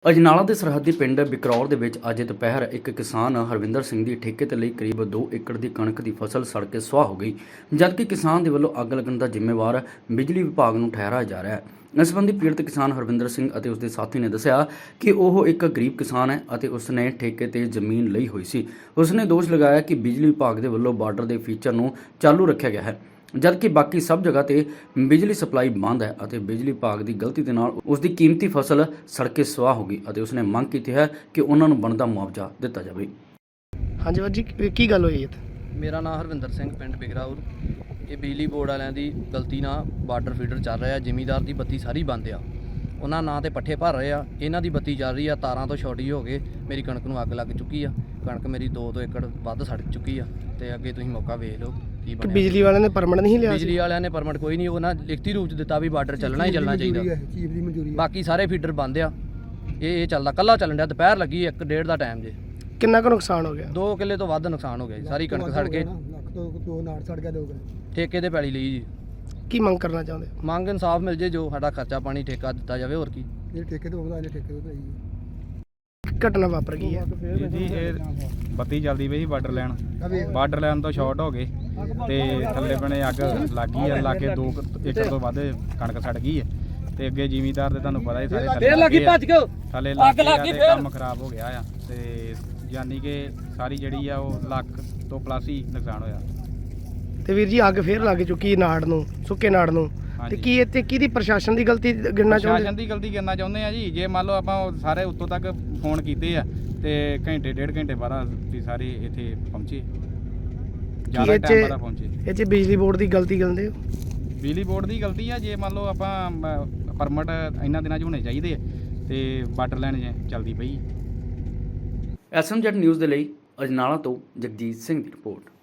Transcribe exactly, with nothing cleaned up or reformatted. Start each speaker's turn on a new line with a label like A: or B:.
A: ਅਜਨਾਲਾ ਦੇ ਸਰਹੱਦੀ ਪਿੰਡ ਬਿਕਰੌਰ ਦੇ ਵਿੱਚ ਅੱਜ ਦੁਪਹਿਰ ਇੱਕ ਕਿਸਾਨ ਹਰਵਿੰਦਰ ਸਿੰਘ ਦੀ ਠੇਕੇ ਤੇ ਲਈ ਕਰੀਬ ਦੋ ਏਕੜ ਦੀ ਕਣਕ ਦੀ ਫਸਲ ਸੜ ਕੇ ਸੁਆਹ ਹੋ ਗਈ, ਜਦਕਿ ਕਿਸਾਨ ਦੇ ਵੱਲੋਂ ਅੱਗ ਲੱਗਣ ਦਾ ਜ਼ਿੰਮੇਵਾਰ ਬਿਜਲੀ ਵਿਭਾਗ ਨੂੰ ਠਹਿਰਾਇਆ ਜਾ ਰਿਹਾ ਹੈ। ਇਸ ਸੰਬੰਧੀ ਪੀੜਤ ਕਿਸਾਨ ਹਰਵਿੰਦਰ ਸਿੰਘ ਅਤੇ ਉਸਦੇ ਸਾਥੀ ਨੇ ਦੱਸਿਆ ਕਿ ਉਹ ਇੱਕ ਗਰੀਬ ਕਿਸਾਨ ਹੈ ਅਤੇ ਉਸਨੇ ਠੇਕੇ ਤੇ ਜ਼ਮੀਨ ਲਈ ਹੋਈ ਸੀ। ਉਸਨੇ ਦੋਸ਼ ਲਗਾਇਆ ਕਿ ਬਿਜਲੀ ਵਿਭਾਗ ਦੇ ਵੱਲੋਂ ਬਾਰਡਰ ਦੇ ਫੀਚਰ ਨੂੰ ਚਾਲੂ ਰੱਖਿਆ ਗਿਆ ਹੈ, ਜਦਕਿ ਬਾਕੀ ਸਭ ਜਗ੍ਹਾ ਤੇ ਬਿਜਲੀ ਸਪਲਾਈ ਬੰਦ ਹੈ ਅਤੇ ਬਿਜਲੀ ਵਿਭਾਗ ਦੀ ਗਲਤੀ ਦੇ ਨਾਲ ਉਸ ਦੀ ਕੀਮਤੀ ਫਸਲ ਸੜ ਕੇ ਸੁਆਹ ਹੋ ਗਈ ਅਤੇ ਉਸਨੇ ਮੰਗ ਕੀਤੀ ਹੈ ਕਿ ਉਹਨਾਂ ਨੂੰ ਬਣਦਾ ਮੁਆਵਜ਼ਾ ਦਿੱਤਾ ਜਾਵੇ।
B: ਹਾਂਜੀ ਬਾਜੀ, ਕੀ ਗੱਲ ਹੋਈ ਹੈ?
C: ਮੇਰਾ ਨਾਮ ਹਰਵਿੰਦਰ ਸਿੰਘ, ਪਿੰਡ ਬਿਗਰਾਉਰ। ਇਹ ਬਿਜਲੀ ਬੋਰਡ ਵਾਲਿਆਂ ਦੀ ਗਲਤੀ ਨਾਲ ਬਾਰਡਰ ਫੀਡਰ ਚੱਲ ਰਿਹਾ। ਜ਼ਿਮੀਂਦਾਰ ਦੀ ਬੱਤੀ ਸਾਰੀ ਬੰਦ ਆ, ਉਹਨਾਂ ਨਾਂ ਤੇ ਪੱਠੇ ਭਰ ਰਹੇ ਆ, ਇਹਨਾਂ ਦੀ ਬੱਤੀ ਚੱਲ ਰਹੀ ਆ। ਤਾਰਾਂ ਤੋਂ ਛੋਟੀ ਹੋ ਕੇ ਮੇਰੀ ਕਣਕ ਨੂੰ ਅੱਗ ਲੱਗ ਚੁੱਕੀ ਆ। ਕਣਕ ਮੇਰੀ ਦੋ ਦੋ ਏਕੜ ਵੱਧ ਸੜ ਚੁੱਕੀ ਆ ਤੇ ਅੱਗੇ ਤੁਸੀਂ ਮੌਕਾ ਵੇਖ ਲਓ ਕੀ ਬਣਿਆ।
B: ਬਿਜਲੀ ਵਾਲਿਆਂ ਨੇ ਪਰਮਿਟ ਨਹੀਂ ਲਿਆ?
C: ਬਿਜਲੀ ਵਾਲਿਆਂ ਨੇ ਪਰਮਿਟ ਕੋਈ ਨਹੀਂ, ਉਹਨਾਂ ਲਿਖਤੀ ਰੂਪ 'ਚ ਦਿੱਤਾ ਵੀ ਬਾਰਡਰ ਚੱਲਣਾ ਹੀ ਚੱਲਣਾ ਚਾਹੀਦਾ। ਬਾਕੀ ਸਾਰੇ ਫੀਡਰ ਬੰਦ ਆ। ਇਹ ਇਹ ਚੱਲਦਾ ਕੱਲਾ ਚੱਲਣ ਡਿਆ। ਦੁਪਹਿਰ ਲੱਗੀ ਇੱਕ ਡੇਢ ਦਾ ਟਾਈਮ ਜੇ।
B: ਕਿੰਨਾ ਕੁ ਨੁਕਸਾਨ ਹੋ ਗਿਆ?
C: ਦੋ ਕਿੱਲੇ ਤੋਂ ਵੱਧ ਨੁਕਸਾਨ ਹੋ ਗਿਆ ਜੀ। ਸਾਰੀ ਕਣਕ ਸੜ ਕੇ ਠੇਕੇ ਤੇ ਪੈਲੀ ਲਈ ਜੀ।
B: ਕੀ ਮੰਗ ਕਰਨਾ ਚਾਹੁੰਦੇ?
C: ਮੰਗ ਇਨਸਾਫ ਮਿਲ ਜੇ, ਜੋ ਸਾਡਾ ਖਰਚਾ ਪਾਣੀ ਠੇਕਾ ਦਿੱਤਾ ਜਾਵੇ। ਹੋਰ ਕੀ
D: ਇਹ ਠੇਕੇ ਤੋਂ ਉਹਦਾ ਠੇਕੇ ਤੋਂ ਹੀ
B: ਘਟਨਾ ਵਾਪਰ ਗਈ ਹੈ
E: ਜੀ। ਇਹ ਬੱਤੀ ਚੱਲਦੀ ਪਈ ਸੀ ਬਾਰਡਰ ਲੈਣ, ਬਾਰਡਰ ਲੈਣ ਤੋਂ ਸ਼ਾਰਟ ਹੋ ਗਏ ਤੇ ਥੱਲੇ ਬਣੇ ਅੱਗ ਲੱਗ ਗਈ ਆ। ਲਾ ਕੇ ਦੋ ਏਕੜ ਤੋਂ ਵੱਧ ਕਣਕ ਸੜ ਗਈ ਹੈ ਤੇ ਅੱਗੇ ਜ਼ਿਮੀਂਦਾਰ ਦੇ ਤੁਹਾਨੂੰ ਪਤਾ ਹੀ ਸਾਰੇ ਥੱਲੇ ਲੱਗੀ ਭੱਜ ਗਏ ਥੱਲੇ ਲੱਗ ਗਈ ਤੇ ਕੰਮ ਖਰਾਬ ਹੋ ਗਿਆ ਆ ਤੇ ਯਾਨੀ ਕਿ ਸਾਰੀ ਜਿਹੜੀ ਆ ਉਹ ਲੱਖ ਤੋਂ ਪਲੱਸ ਹੀ ਨੁਕਸਾਨ ਹੋਇਆ।
B: ਤੇ ਵੀਰ ਜੀ, ਅੱਗ ਫੇਰ ਲੱਗ ਚੁੱਕੀ ਨਾੜ ਨੂੰ, ਸੁੱਕੇ ਨਾੜ ਨੂੰ। ਤੇ ਕੀ ਇੱਥੇ ਕਿਹਦੀ ਪ੍ਰਸ਼ਾਸਨ ਦੀ ਗਲਤੀ ਗਿਣਨਾ ਚਾਹੁੰਦੇ?
E: ਪ੍ਰਸ਼ਾਸਨ ਦੀ ਗਲਤੀ ਗਿਣਨਾ ਚਾਹੁੰਦੇ ਆ ਜੀ। ਜੇ ਮੰਨ ਲਓ ਆਪਾਂ ਸਾਰੇ ਉੱਤੋਂ ਤੱਕ ਫੋਨ ਕੀਤੇ ਆ ਤੇ ਘੰਟੇ ਡੇਢ ਘੰਟੇ ਬਾਅਦ ਵੀ ਸਾਰੇ ਇੱਥੇ ਪਹੁੰਚੇ, ਜ਼ਿਆਦਾ ਟਾਈਮ ਬਾਅਦ ਪਹੁੰਚੇ।
B: ਇਹ 'ਚ ਬਿਜਲੀ ਬੋਰਡ ਦੀ ਗਲਤੀ ਕਹਿੰਦੇ ਹੋ?
E: ਬਿਜਲੀ ਬੋਰਡ ਦੀ ਗਲਤੀ ਆ। ਜੇ ਮੰਨ ਲਓ ਆਪਾਂ ਪਰਮਿਟ ਇਹਨਾਂ ਦਿਨਾਂ 'ਚ ਹੋਣੇ ਚਾਹੀਦੇ ਆ ਤੇ ਬਾਰਡਰ ਲਾਈਨ ਚੱਲਦੀ ਪਈ।
A: ਐਸ ਐਮ ਜੈਡ ਨਿਊਜ਼ ਦੇ ਲਈ ਅਜਨਾਲਾ ਤੋਂ ਜਗਜੀਤ ਸਿੰਘ ਦੀ ਰਿਪੋਰਟ।